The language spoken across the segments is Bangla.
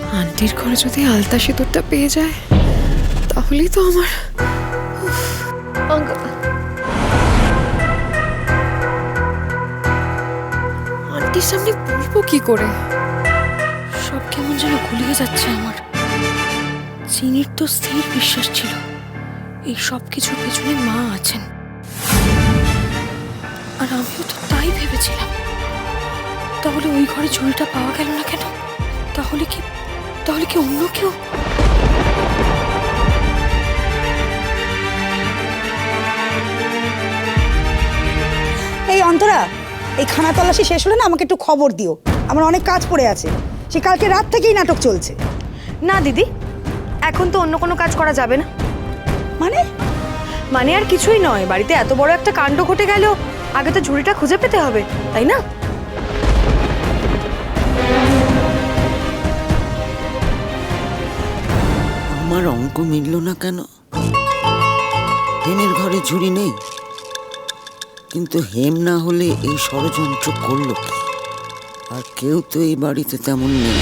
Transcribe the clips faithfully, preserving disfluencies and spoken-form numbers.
আন্টির ঘরে যদি আলতা সিঁদুরটা পেয়ে যায় তাহলেই তো আমার আন্টির সামনে বলবো কি করে? সব কেমন যেন গুলিয়ে যাচ্ছে আমার। চিনির তো স্থির বিশ্বাস ছিল এই সব কিছুর পেছনে মা আছেন, আর আমিও তো তাই ভেবেছিলাম। তাহলে ওই ঘরে ঝুড়িটা পাওয়া গেল না কেন? তাহলে কি তাহলে কি অন্য কেউ? এই অন্তরা, এই খানা তল্লাশি শেষ হলে না আমাকে একটু খবর দিও, আমার অনেক কাজ পড়ে আছে। সে কালকে রাত থেকেই নাটক চলছে। না দিদি, এখন তো অন্য কোনো কাজ করা যাবে না। মানে মানে আর কিছুই নয়, বাড়িতে এত বড় একটা কাণ্ড ঘটে গেল, আগে তো ঝুড়িটা খুঁজে পেতে হবে, তাই না? আমার অঙ্ক মিলল না কেন? হেমের ঘরে ঝুড়ি নেই, কিন্তু হেম না হলে এই ষড়যন্ত্র করলো কি? আর কেউ তো এই বাড়িতে তেমন নেই।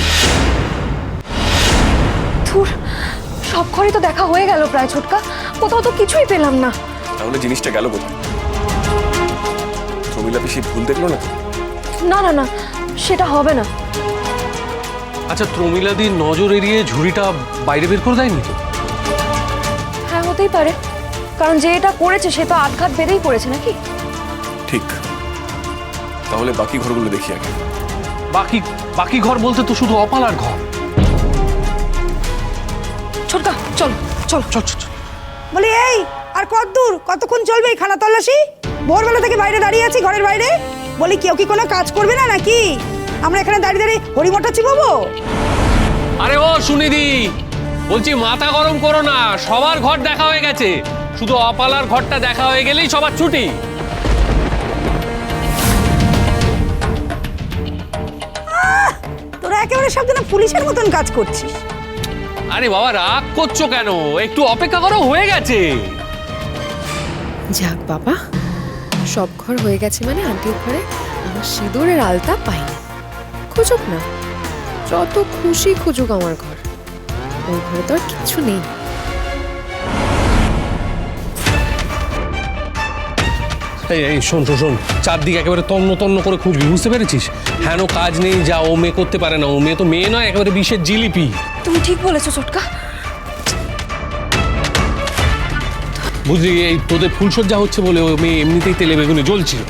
ধুর, সব ঘরে তো দেখা হয়ে গেল প্রায় ছোটকা, কোথাও তো কিছুই পেলাম না। তাহলে জিনিসটা গেল কোথায়? প্রমীলা পিসি ভুল দেখলো না? না না না, সেটা হবে না। আচ্ছা, প্রমীলাদির নজর এড়িয়ে ঝুড়িটা বাইরে বের করে দেয়নি তো? হ্যাঁ, হতেই পারে, কারণ যে এটা করেছে সে তো আটঘাট বেঁধেই পড়েছে নাকি? ঠিক, তাহলে বাকি ঘরগুলো দেখি আগে। বাকি বাকি ঘর বলতে তো শুধু অপালার ঘর। ছোটকা চল চল চল চল চল। বলি এই, আর কত দূর, কতক্ষণ চলবে এই খানা তল্লাশি? ভোরবেলা থেকে বাইরে দাঁড়িয়ে আছি, ঘরের বাইরে। বলি কেউ কি কোনো কাজ করবে না নাকি? আমরা এখানে দাঁড়িয়ে দাঁড়িয়ে হরিমঠা চিবাবো? আরে ও সুনিধি, বলছি মাথা গরম করো না, সবার ঘর দেখা হয়ে গেছে, শুধু অপালার ঘরটা দেখা হয়ে গেলেই সবার ছুটি। তোরা একেবারে সব যেন পুলিশের মতন কাজ করছিস। আরে বাবা, রাগ করছো কেন? একটু অপেক্ষা করো, হয়ে গেছে। যাক বাবা, সব ঘর হয়ে গেছে মানে আন্টির ঘরে আমার সিঁদুরের আলতা পাইনি। খুঁজুক না, যত খুশি খুঁজুক আমার ঘর, ওই ঘরে তো আর কিছু নেই। এই এই শোন শোন শোন, চারদিকে একেবারে তন্ন তন্ন করে খুঁজবি, বুঝতে পেরেছিস? হ্যাঁ, কাজ নেই, যা ও মেয়ে করতে পারে না, ও মেয়ে তো মেয়ে নয়, একেবারে বিষের জিলিপি। তুমি ঠিক বলেছো ছোটকা। বুঝলি, এই তোদের ফুলসজ্জা হচ্ছে বলে ও মেয়ে এমনিতেই তেলে বেগুনে জ্বলছিল।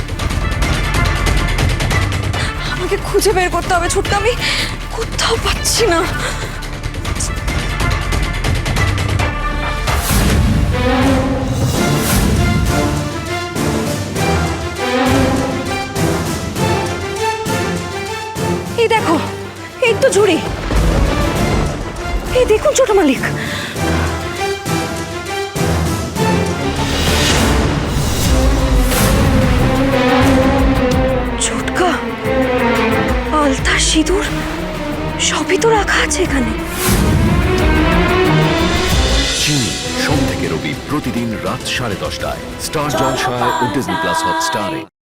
আমাকে খুঁজে বের করতে হবে ছোটকা, আমি কোথাও পাচ্ছি না। এই দেখো, এই তো ঝুড়ি। এই দেখুন ছোট মালিক, ছোটকা আলতা সিঁদুর সবই তো রাখা আছে এখানে। চিনি সোম থেকে রবি প্রতিদিন রাত সাড়ে দশটায় স্টার জলসায় ও ডিজনি প্লাস হটস্টারে।